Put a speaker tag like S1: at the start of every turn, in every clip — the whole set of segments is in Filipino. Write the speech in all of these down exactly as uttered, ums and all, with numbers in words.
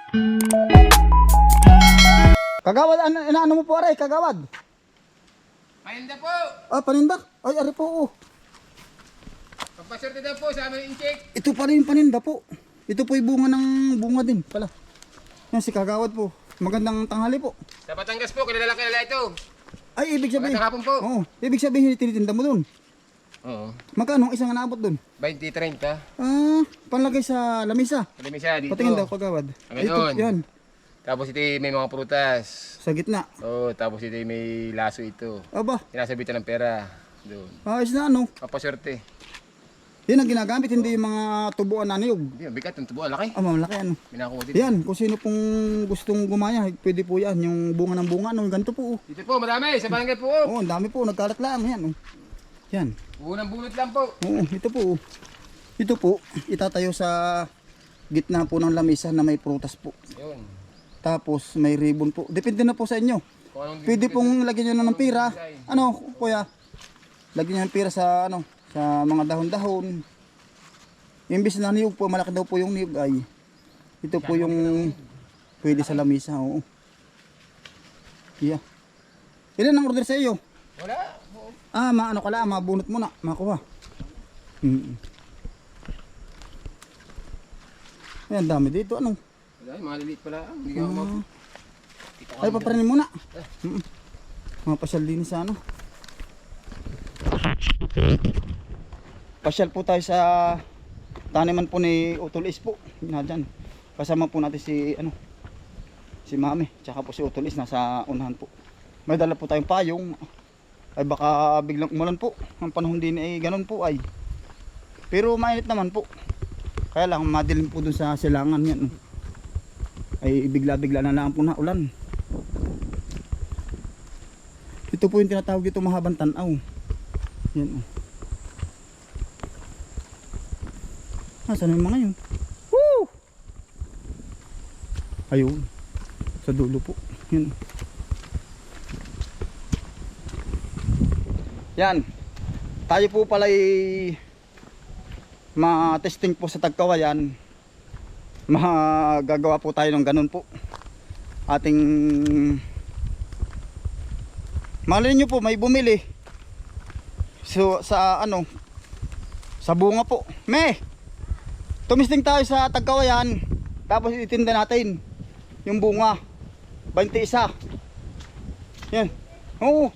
S1: Kagawad, ano, inaano mo po aray, kagawad?
S2: Paninda po!
S1: Ah, paninda? Ay, ari po, oh.
S2: Pampaswerte daw po sa aming incheck.
S1: Ito pala yung paninda po. Ito po yung bunga ng bunga din pala. Yan si kagawad po. Magandang tanghali po.
S2: Sa Batangas po, kilala kilala ito.
S1: Ay, ibig sabihin.
S2: Magandang hapon po.
S1: Oo, ibig sabihin tinitinda mo doon.
S2: Oo.
S1: Magkano ang isang naabot doon?
S2: twenty thirty.
S1: Ah, panlagay sa lamisa.
S2: Alam siya dito.
S1: Patingin daw kagawad.
S2: Ang
S1: Ito,
S2: ganon.
S1: yan.
S2: Tapos ito may mga prutas.
S1: Sa gitna.
S2: Oo, tapos ito may laso ito.
S1: Aba,
S2: Sinasabitan ng pera. Doon.
S1: ayos na ano.
S2: Pampaswerte.
S1: Yan ang ginagamit, hindi yung mga tubuan na niyog.
S2: Hindi, ang bigat ng tubo. Laki.
S1: Ah, mamalaki ano.
S2: Minakuha dito.
S1: Yan, kung sino pong gustong gumaya, pwede po yan. Yung bunga ng bunga, ano, ganito po. Oh,
S2: Dito po, madami. Sa barangay po. Oh.
S1: oh ang dami po, nagkalat lang. Yan, oh. Yan.
S2: Unang bunot lang po.
S1: Oo, ito po. Oh. Ito po, itatayo sa gitna po ng lamesa na may prutas po.
S2: Yun.
S1: Tapos may ribbon po. Depende na po sa inyo.
S2: Kung anong
S1: Pwede pong lagyan nyo na ng pira. Ano, kuya? Lagyan nyo ng pira sa ano, sa mga dahon-dahon. Imbis na niyog po, malaki daw po yung niyog ay. Ito po yung pwede sa lamesa, oo. Yeah. Ilan ang order sa iyo?
S2: Wala.
S1: Ah, maano ka lang, mabunot mo na, makuha. Mm. Ayan, dami dito, ano?
S2: Wala, mga liliit pala. Hindi ka
S1: Ah.
S2: Dito
S1: Ay, papranin muna. Mm. Mga pasyal din sa ano. Pasyal po tayo sa taniman po ni Utulis po. Na dyan. Kasama po natin si ano, si Mami. Tsaka po si Utulis nasa unahan po. May dala po tayong payong. Ay baka biglang umulan po. Ang panahon din ay ganun po ay. Pero mainit naman po. Kaya lang madilim po dun sa silangan yan. Ay bigla-bigla na lang po na ulan. Ito po yung tinatawag dito mahabang tanaw. Yan o. Nasaan yung mga yun? Woo! Ayun. Sa dulo po. Yan. Yan. Tayo po pala ay ma-testing po sa Tagkawayan. Magagawa po tayo ng ganun po. Ating malay nyo po may bumili. So sa ano, sa bunga po. Me, tumisting tayo sa Tagkawayan. Tapos itinda natin yung bunga. twenty-one. Yan. Oo.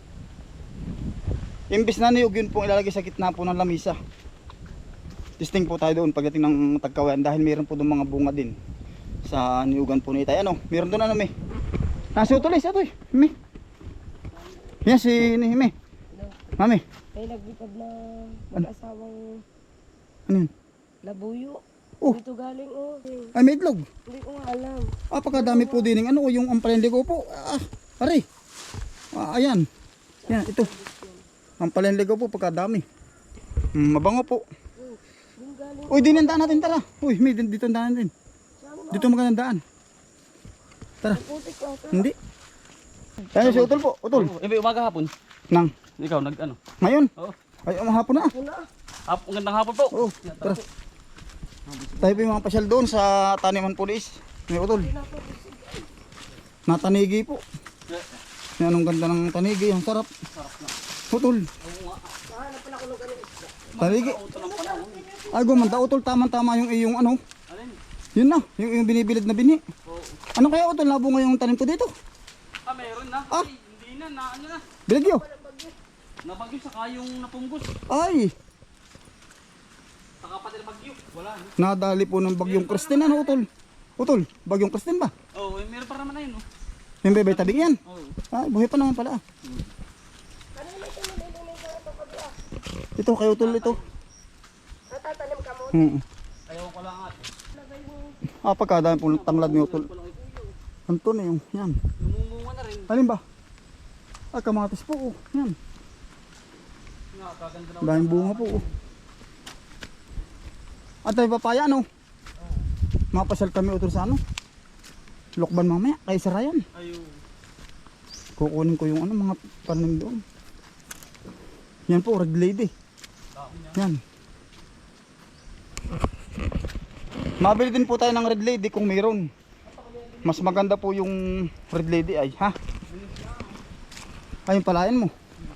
S1: Imbis na niyog yun po ilalagay sa gitna po ng lamisa. Testing po tayo doon pagdating ng Tagkawayan dahil meron po doon mga bunga din sa niyugan po ni Itay. Ano? Meron doon ano, me? Nasi Utulis ito eh. Me. Yan si ni me. Mami.
S3: Ay nagbitad na mag-asawang
S1: Ano yun?
S3: labuyo.
S1: Oh.
S3: Dito galing oh.
S1: Ay, may itlog.
S3: Hindi ko nga alam.
S1: Ah, pagkadami po din ng ano, yung ampalende ko po. Ah, pare. Ah, ayan. Yan, ito. Ampalende ko po, pagkadami. Mm, mabango po.
S3: Yung galing.
S1: Uy, dinandaan natin, tara. Uy, may din- dito ang daan natin. Dito magandang daan. Tara.
S3: Putik ko ito.
S1: Hindi. Tayo si Utol po. Utol.
S4: Ibi umaga hapon.
S1: Nang.
S4: Ikaw nag ano?
S1: Ngayon.
S4: Oo.
S1: Ay, mahapon na.
S3: Wala.
S4: Hap, ang gandang hapon po.
S1: Oo, tara. Tayo po yung mga pasyal doon sa Taniman Police. May Utol. Natanigi po. Yan, anong ganda ng tanigi. Ang sarap. Utol. Tanigi. Ay, gumanda. Utol, tama-tama yung iyong ano.
S4: Alin?
S1: Yun na, yung, yung binibilid na bini.
S4: Oo.
S1: Ano kaya Utol, labo ngayong tanim ko dito?
S4: Ah, meron na.
S1: Ah.
S4: Ay, hindi na, na ano na.
S1: Bilagyo.
S4: Nabagyo saka yung napunggos.
S1: Ay,
S4: Saka pati na bagyo. Wala. no?
S1: nadali po ng bagyong Kristen. Ano Utol? Utol, bagyong Kristen ba?
S4: Oo, eh, meron pa naman na yun. Oh.
S1: Yung bebay tabing yan.
S4: Oo.
S1: Ay, buhay pa naman pala. Ito, kay Utol ito.
S3: Natatanim ka mo.
S1: Hmm.
S4: Ayaw ko lang ate.
S1: Ah, pagkadami po ng tanglad ni Utol. Anto na yung, yan.
S4: Lumumunga na rin.
S1: Alin ba? Ah, kamatis po. Oh. Yan.
S4: Nga, kaganda na.
S1: Daming bunga po. Oh. At ay papaya, ano? Mapasyal kami Utol sa ano? Lokban mamaya, kay Sarayan.
S4: Ayaw.
S1: Kukunin ko yung ano, mga panim doon. Yan po, red lady. Yan. Mabili din po tayo ng red lady kung mayroon. Mas maganda po yung red lady ay, ha? Ayun palayan mo.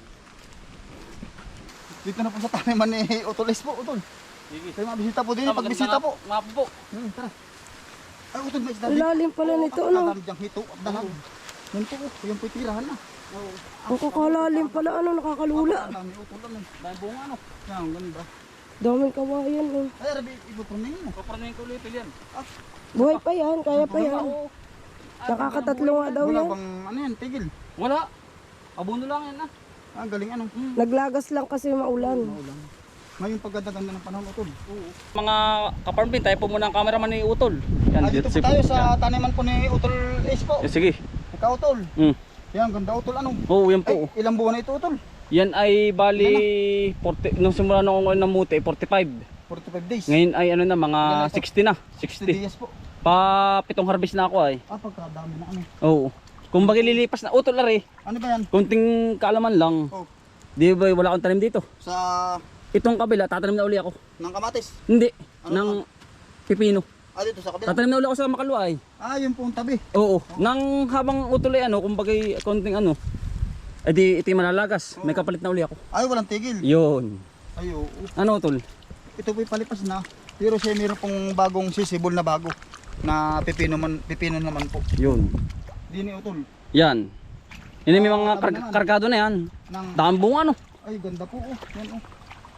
S1: Dito na po sa taniman ni Utolis po, Utol.
S4: Sige.
S1: Kayo mabisita po din,
S4: Ah,
S1: pag bisita po.
S4: Nga po po.
S1: Hmm, tara. Ay, Utol, may isda
S3: Ang lalim pala nito, ano?
S1: Kadami diyang hito at dalag. Yan po, oh. Yan po yung tirahan na.
S3: Ang kakalalim pala, ano, nakakalula.
S1: Ang dami, Utol, ano.
S4: Dahil bunga ano.
S1: Yan, ang ganda.
S3: Daming kawayan, eh.
S1: Ay, Rabi, ibupronin mo.
S4: Paparnayin ko ulit yan.
S3: Buhay pa yan, kaya pa yan.
S4: Oo.
S3: Nakakatatlo nga daw
S1: Wala
S3: yan.
S1: bang, ano yan, tigil.
S4: Wala. Abuno lang yan ah.
S1: Ah, galing ano.
S3: Naglagas lang kasi maulan.
S1: Maulan. Ngayon pagkaganda ng panahon, Utol.
S4: Mga kaparmbin, tayo po muna ang cameraman ni Utol. Yan,
S1: Ah, dito po
S4: si-
S1: tayo
S4: yan.
S1: sa taniman po ni Utol Ace po.
S4: Eh, sige.
S1: Ikaw, Utol.
S4: Mm.
S1: Yan, ganda, Utol, ano.
S4: Oo, yan
S1: Ay,
S4: po.
S1: ilang buwan na ito, Utol?
S4: Yan ay bali forty, nung simula nung ako namuti, forty-five.
S1: forty-five days.
S4: Ngayon ay ano na, mga
S1: Ilan na ito?
S4: sixty na.
S1: sixty
S4: sixty.
S1: days po.
S4: Pa pitong harvest na ako ay.
S1: Ah, pagkadami na ano.
S4: Oo. Kung bagay lilipas na Utol are,
S1: Ano ba yan?
S4: kunting kaalaman lang.
S1: Oh,
S4: Di ba wala akong tanim dito?
S1: sa
S4: Itong kabila, tatanim na uli ako.
S1: ng kamatis.
S4: Hindi,
S1: Ano
S4: ng pipino.
S1: Ah, dito sa kabila.
S4: Tatanim na uli ako sa Makalwa ay.
S1: Ah, yun po ang tabi.
S4: Oo. Nang habang Utol ay ano, kung bagay konting ano, eh di ito yung malalagas. May kapalit na uli ako.
S1: Ay, walang tigil.
S4: Yun.
S1: Ay, oo.
S4: Ano Utol?
S1: Ito po'y palipas na. Pero siya mayroon pong bagong sisibol na bago. Na pipino, man, pipino naman po.
S4: Yun.
S1: Di ni Utol.
S4: Yan. Yan may
S1: Ah,
S4: mga
S1: sabi
S4: kar-
S1: naman.
S4: kargado na yan.
S1: Ng,
S4: Daan bunga ano.
S1: ay, ganda po. Oh. Yan, oh.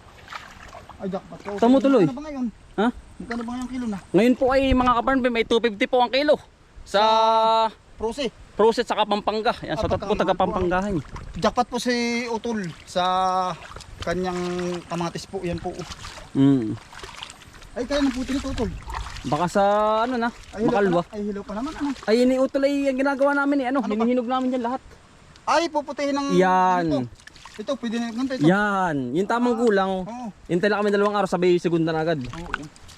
S1: Ay, jackpot ko.
S4: Tamo tuloy.
S1: Magkano ba ngayon?
S4: Ha?
S1: Magkano ba ngayon kilo na?
S4: Ngayon po ay mga kaparmbin, may two fifty po ang kilo. Sa
S1: Prose.
S4: Process saka Pampanga. Yan,
S1: Ah,
S4: sa tot po taga Pampangahan.
S1: Jackpot po si Utol sa kanyang kamatis po. Yan po. oh.
S4: Mm.
S1: Ay, kaya ng puti nito, Utol.
S4: Baka sa ano na,
S1: Ay, hilaw
S4: Makalwa.
S1: pa, na- ay, hilaw pa naman. Ano?
S4: Ay, ini Utol ay ang ginagawa namin eh. Ano,
S1: Ano ba?
S4: hinihinog namin yan lahat.
S1: Ay, puputihin ng...
S4: Yan.
S1: Ito, ito pwede na ganito. Ito.
S4: Yan, yung tamang kulang.
S1: Oo.
S4: Hintay lang kami dalawang araw, sabi segunda na agad.
S1: Oo.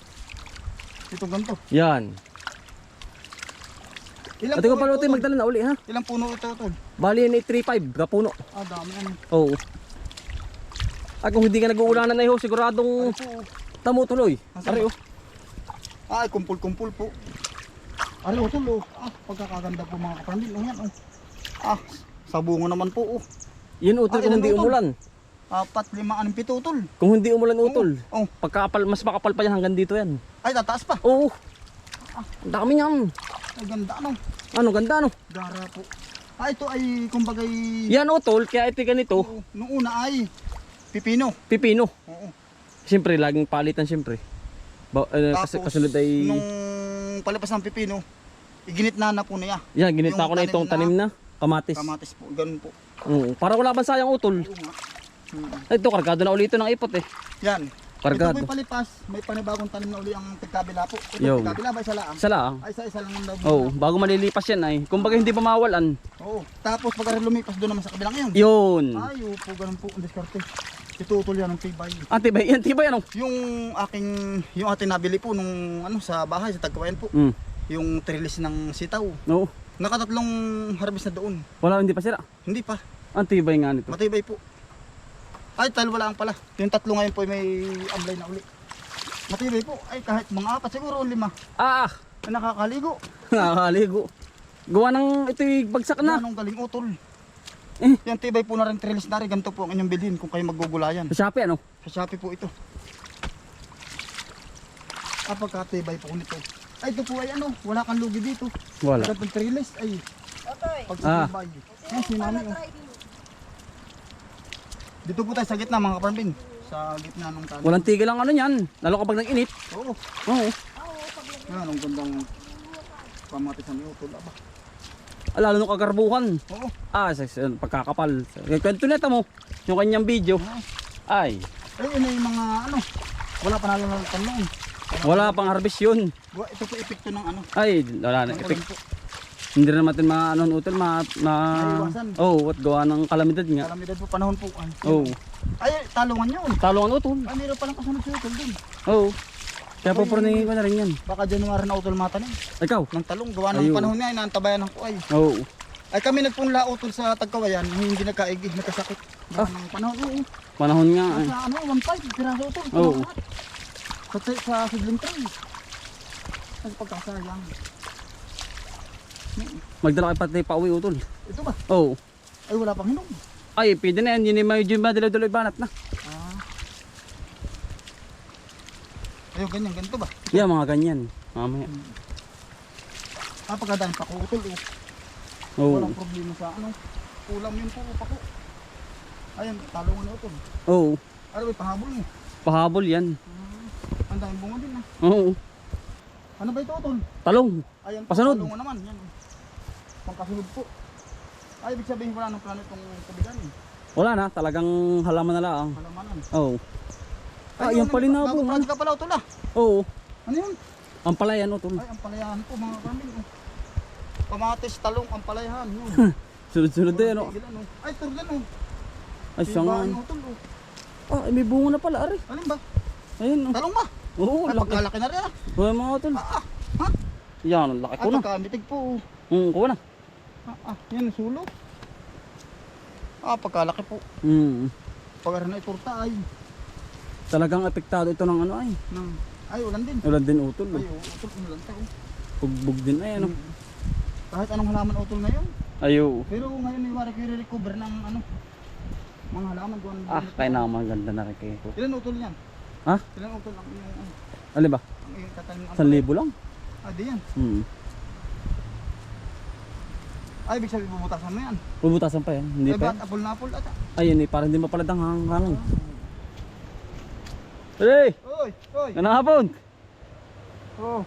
S1: Ito ganito.
S4: Yan.
S1: Ilang
S4: At ikaw
S1: puno
S4: pala
S1: ito,
S4: Utol,
S1: Utol?
S4: magdala na uli ha.
S1: Ilang puno ito, Utol?
S4: Bali yan ay three five, kapuno.
S1: Ah, dami ano.
S4: Oo. At kung hindi ka nag-uulanan na iho, siguradong
S1: Ay po.
S4: tamo tuloy.
S1: Nasaan
S4: Ari
S1: ba?
S4: oh.
S1: Ay, kumpul-kumpul po. Ay, Utol, oh. Ah, pagkakaganda po mga kapamilya. Oh, yan, oh. Ah, sa bungo naman po, oh.
S4: Yan Utol
S1: Ah,
S4: kung
S1: ilan,
S4: hindi
S1: Utol?
S4: umulan.
S1: Apat, lima, anong pito, Utol.
S4: Kung hindi umulan Utol.
S1: Oh,
S4: Pagkapal, mas makapal pa yan hanggang dito yan.
S1: ay, tataas pa.
S4: Oo. Ang dami niyan.
S1: Ay, ganda, ano.
S4: Ano, ganda ano.
S1: Gara po. Ah, ito ay, kumbagay...
S4: Yan Utol, kaya ito ganito,
S1: Oo, noong una ay pipino.
S4: pipino.
S1: Oo.
S4: Siyempre, laging palitan siyempre. Ba, eh, kasi
S1: Tapos,
S4: kasunod ay...
S1: nung palipas ng pipino, iginit na na po niya.
S4: Yan, ginita
S1: yung
S4: ko na
S1: tanim
S4: itong
S1: na-
S4: tanim na kamatis.
S1: Kamatis po, ganun po.
S4: Oo. Para wala bang sayang Utol.
S1: Oo nga. Hmm.
S4: Ay, ito, kargado na ulit ito ng ipot eh.
S1: Yan.
S4: Kargado.
S1: Ito po'y palipas, may panibagong tanim na uli ang tigkabila po. Ito
S4: Yo.
S1: tigkabila ba isa lang?
S4: Isa lang.
S1: Ay, isa-isa lang ang daw.
S4: Oo, bago malilipas yan ay. Kung baga hindi pa mawalan.
S1: Oo. Tapos pagka lumipas doon naman sa kabilang yun.
S4: Yun.
S1: Ay, po, ganun po ang diskarte. Itutol yan ng tibay.
S4: Antibay, yan tibay ano?
S1: Yung aking, yung ating nabili po nung ano sa bahay, sa Tagkawayan po.
S4: Mm.
S1: Yung trellis ng sitaw.
S4: Oo.
S1: Nakatatlong harvest na doon.
S4: Wala, hindi pa sira.
S1: Hindi pa.
S4: Antibay nga nito.
S1: Matibay po. Ay, talo lang pala. Yung tatlo ngayon po ay may amlay na uli. Matibay po. Ay, kahit mga apat siguro o lima.
S4: Ah!
S1: Ay, nakakaligo.
S4: Nakakaligo. Gawa ng ito'y bagsak na.
S1: Anong galing utol.
S4: Eh.
S1: Yan tibay po na rin trellis na rin. Ganito po ang inyong bilhin kung kayo maggugulayan.
S4: Sa Shopee ano?
S1: Sa Shopee po ito. Ah, pagkatibay po nito. Ay, ito po ay ano, wala kang lugi dito.
S4: Wala.
S1: Pagkat ng trellis ay
S3: Otoy,
S1: pag
S4: Ah.
S1: sa tibay. Yan si mami. Oh. Dito po tayo sa gitna mga kaparmbin. Sa gitna ng tanong.
S4: Walang tigil ang ano niyan. Lalo kapag nag-init.
S1: Oo.
S4: Oo.
S1: Yan, ang gandang pamatisan ni utol. Aba.
S4: Ah, lalo nung kagarbuhan.
S1: Oo.
S4: Ah, sa, sa pagkakapal. Kwento neta mo. Yung kanyang video. Ay.
S1: Ay, yun ay mga ano. Wala pa nalalatan noon.
S4: Wala pang harvest yun.
S1: Wa- Ito po epekto ng ano.
S4: Ay, wala na.
S1: ng
S4: Epic.
S1: ulan po.
S4: Hindi rin natin ma ano utol ma ma
S1: Maiwasan.
S4: oh, at gawa ng kalamidad nga.
S1: Kalamidad po panahon po. Ay,
S4: Oh.
S1: ay talungan yun.
S4: Talong utol.
S1: Ay, meron palang kasunod sa utol din.
S4: Oh. Kaya pupurningin ko na rin yan.
S1: Baka January na utol matanim.
S4: Ikaw.
S1: Ng talong. Gawa ng
S4: Ayun.
S1: panahon niya ay naantabayan ako ay.
S4: Oh.
S1: Ay kami nagpunla utol sa Tagkawayan. Hindi nagkaigi, nagkasakit. Gawa ng panahon. Oo.
S4: Panahon nga eh.
S1: Sa ano, one five, piraso utol.
S4: Oo.
S1: Sa, sa sidling tree. Ay, pagkasayang.
S4: Magdala kayo pati pa uwi utol.
S1: Ito ba?
S4: Oo.
S1: Ay wala pang hinog.
S4: Ay, pwede na yan. Yun yung medyo madalaw-dalaw banat na.
S1: Ah. Ayun, ganyan, ganito ba?
S4: Yeah, mga ganyan. Mamaya.
S1: Ah, pagkadaan pa ko utol oh.
S4: Oo.
S1: Walang problema sa ano. Kulam yun po pa ko. Ayan, talungan na utol.
S4: Oo.
S1: Ano ba, pahabol mo?
S4: Pahabol yan.
S1: Ang daming bunga din ah.
S4: Oo.
S1: Ano ba ito utol?
S4: Talong.
S1: Ayan,
S4: Pasunod.
S1: talungan naman. Yan. Pangkasunod po. Ay, ibig sabihin wala ng plano itong kabigan eh.
S4: Wala na. Talagang halaman na lang.
S1: Halamanan.
S4: Oo. Ah, yan pala na
S1: Bago
S4: po.
S1: project ka pala utol ah.
S4: Oo.
S1: Ano yun?
S4: Ang palayan utol.
S1: Ay, ang palayahan po mga kambing. Oh. Kamatis, talong, ang palayahan. Yun.
S4: Sunod-sunod din ano.
S1: Tigil, ano. Ay, turgan oh.
S4: Ay, siya nga.
S1: Ibaan, utol, oh.
S4: Ah, may bunga na pala. Ari.
S1: Alin ba?
S4: Ayun. Oh.
S1: Talong ba?
S4: Oo,
S1: Ay,
S4: laki.
S1: pagkalaki na rin ah.
S4: Oo, mga utol.
S1: Ah, ah. Ha?
S4: Yan, ang laki
S1: Ay,
S4: ko na.
S1: pagkamitig po. oh.
S4: Hmm, kuha na.
S1: Ah, ah, yan ang sulo. Ah, pagkalaki po.
S4: Hmm.
S1: Pag na iturta ay.
S4: Talagang apektado ito ng ano ay.
S1: Nang, ay, ulan din.
S4: Ulan din utol.
S1: Ay,
S4: Oh.
S1: oh, utol, ulan tayo.
S4: Bugbog din ay ano.
S1: Kahit anong halaman utol ngayon.
S4: Ayo.
S1: Pero ngayon may wari kayo recover ng ano. Mga halaman doon.
S4: Ah, kaya na maganda na rin kayo.
S1: Ilan utol yan?
S4: Ha?
S1: Ilan utol ang iyong ano?
S4: Alin ba?
S1: Ang iyong tatanim?
S4: San libo lang?
S1: Ah, di yan.
S4: Hmm.
S1: Ay, ibig sabihin bubutasan mo yan.
S4: Bubutasan pa yan. Hindi
S1: Ay,
S4: pa
S1: ba't
S4: yan.
S1: apple na apple ata?
S4: Ayun eh, parang hindi mapaladang hang hangin. Hey!
S1: Oy, oy.
S4: Ganang hapon!
S1: Oh.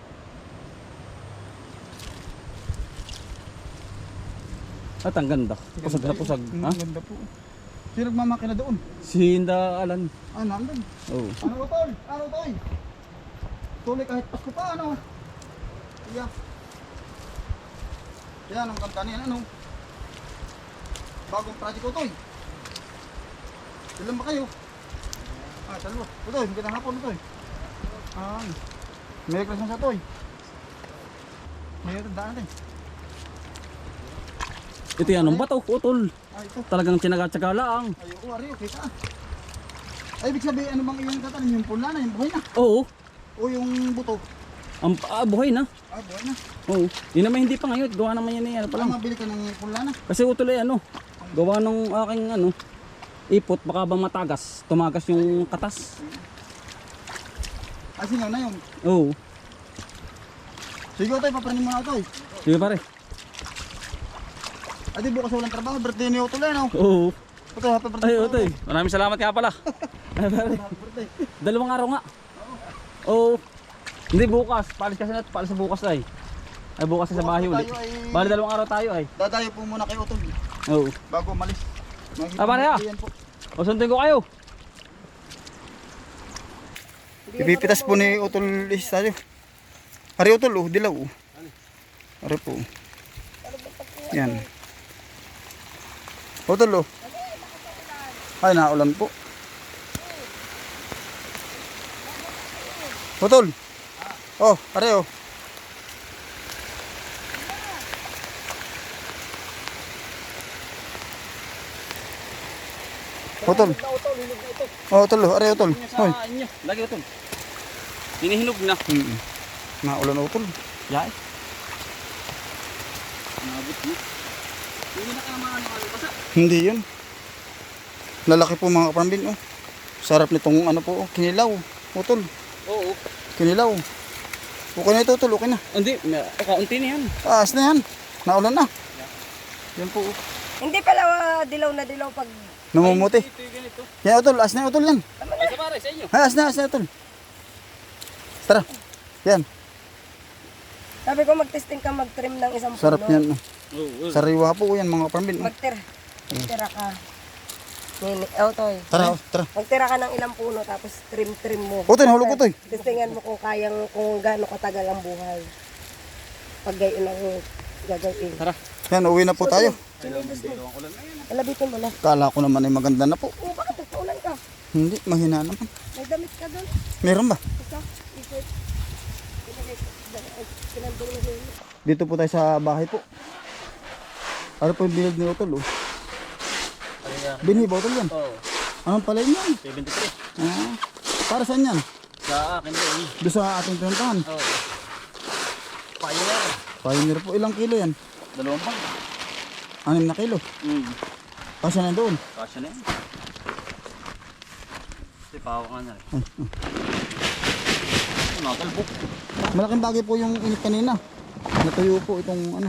S4: At ang ganda. Pusag na pusag.
S1: Mm,
S4: Ha?
S1: Ang ganda po. Sino nagmamakina doon?
S4: Si Hinda Alan.
S1: Ah, nandun.
S4: Oh.
S1: Ano utol? Ano utol? Tuloy kahit Pasko pa, ano? Yeah. Yan, ang ganda niyan, ano? Bagong project utol. Ilan ba kayo? Ah, dalawa. Utoy, magandang hapon utoy. Ah, Merry Christmas sa utoy. Meron daan natin.
S4: Ito yan, ang bato, utol.
S1: Ah, ito.
S4: Talagang tinaga-tsaga lang.
S1: Ay, oo, ari, okay ka. Ay, ibig sabihin, ano bang iyong tatanim? Yung pula na, yung buhay na.
S4: Oo.
S1: O yung buto.
S4: Ang ah, buhay na.
S1: Ah, buhay na.
S4: Oo. Yun naman hindi pa ngayon. Gawa naman yan eh. Ano pa
S1: Pala
S4: lang.
S1: mabili ka ng pula na.
S4: Kasi utol eh ano. Gawa ng aking ano. Ipot, baka bang matagas. Tumagas yung katas.
S1: Ah, singaw na yun.
S4: Oo.
S1: Sige, utoy, papranin mo na utoy.
S4: Sige pare.
S1: Ay, di bukas walang trabaho. Birthday ni Utoy, no?
S4: Oo.
S1: Utoy, happy birthday.
S4: Ay, utoy. Maraming salamat nga pala. Ay, pare.
S1: Happy birthday.
S4: Dalawang araw nga. Oo. Hindi bukas. Palis kasi natin. Palis sa bukas ay. Ay bukas sa bahay
S1: Bukas
S4: ulit.
S1: tayo ay-
S4: Bali dalawang araw tayo ay.
S1: Dadayo po muna kay Utoy.
S4: Oo.
S1: Bago umalis.
S4: Ah, pare, ah.
S1: Yan po.
S4: O sundin ko kayo.
S1: Ibipitas po ni Utol is tayo. Ari Utol, oh, dilaw. oh. Ari po. Yan. Utol, oh. Ay, naulan po. Utol. Oh, ari, oh. Utol. Oh, Utol, oh. Ari, Utol. Hoy.
S4: Sa inyo. Lagi utol. Hinihinog na.
S1: Mm. Naulan, Utol.
S4: Yay. Nabot mo. Hindi na ka naman ano ano basa.
S1: Hindi yun. Lalaki po mga kaparambin, oh. Sarap nitong ano po, oh, kinilaw. Utol,
S4: Oo.
S1: kinilaw. Okay na ito, Utol, okay na.
S4: Hindi, may- kaunti na yan.
S1: Taas na yan. Naulan na. Yan po, oh.
S3: Hindi pala ah, dilaw na dilaw pag...
S1: Namumuti.
S4: Ito yung ganito.
S1: Yan, Utol, as na, Utol, yan.
S4: Ay, sa pare, sa inyo.
S1: Ay, as na, as na, Utol. Tara. Yan,
S3: Sabi ko mag-testing ka mag-trim ng isang
S1: sarap
S3: puno.
S1: yan. oh.
S4: Oo.
S1: Sariwa po yan, mga kaparambin. oh.
S3: Magtira. Magtira ka. Nini, oh, toy.
S1: Tara, oh, tara.
S3: Magtira ka ng ilang puno tapos trim-trim mo.
S1: Utol, nahulog, Utol.
S3: Testingan mo kung kayang, kung gaano katagal ang buhay. Pag gayon ang gagawin.
S4: Tara.
S1: Yan, uwi na po tayo.
S3: Alabitin mo na.
S1: Kala ko naman ay maganda na po.
S3: Oo, bakit nagpaulan ka?
S1: Hindi, mahina naman.
S3: May damit ka doon.
S1: Meron ba?
S3: Isa, t-shirt. Pinandong na yun.
S1: Dito po tayo sa bahay po. Ano po yung bilog ni Utol, oh. Binhi ba, Utol, yan?
S4: Oo.
S1: Anong pala yan?
S4: seventy-three.
S1: Ah, para saan yan?
S4: Sa akin din.
S1: Doon sa ating pinuntahan.
S4: Oo. Pioneer.
S1: Pioneer po. Ilang kilo yan?
S4: Dalawang bag.
S1: Anim na kilo.
S4: Hmm.
S1: Kasi na doon.
S4: Kasya na yan. Kasi pawa nga na rin.
S1: Ay, ay.
S4: Ay, mga kalbok.
S1: Malaking bagay po yung init kanina. Natuyo po itong ano.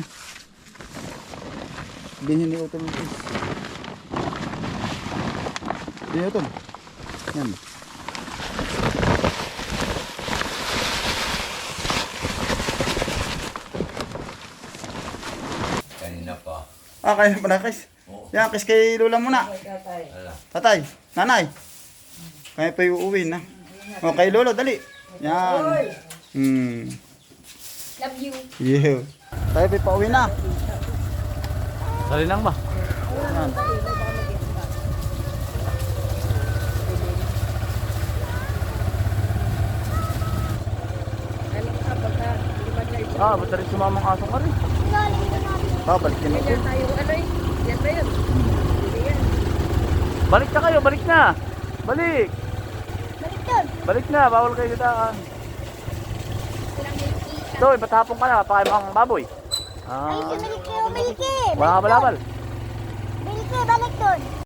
S1: Binhin ni Utol Is. Binhin Utol. Yan.
S5: Kanina pa.
S1: Ah, kaya pa na, Kris. Yan, Kris kay Lola muna. Tatay, nanay. Kaya pa yung uuwi na. O, kay Lolo, dali. Yan. Hmm.
S3: Love you.
S1: Yeah. Tayo pa pauwi na.
S4: Dali lang ba?
S1: Yan.
S3: Ano ka pagka lumagay siya?
S4: Ah, ba't rin sumamang aso ka rin?
S1: Babalik din ako.
S3: Ganyan tayong ano eh. Yan ba yun? Hindi yan.
S4: Balik na kayo, balik na! Balik!
S3: Balik doon.
S4: Balik na, bawal kayo daan. So, ipatapon ka na, pakain mo ang baboy. Ah,
S6: Balik kayo, balik eh.
S4: wala ka balabal.
S6: Balik eh, balik doon.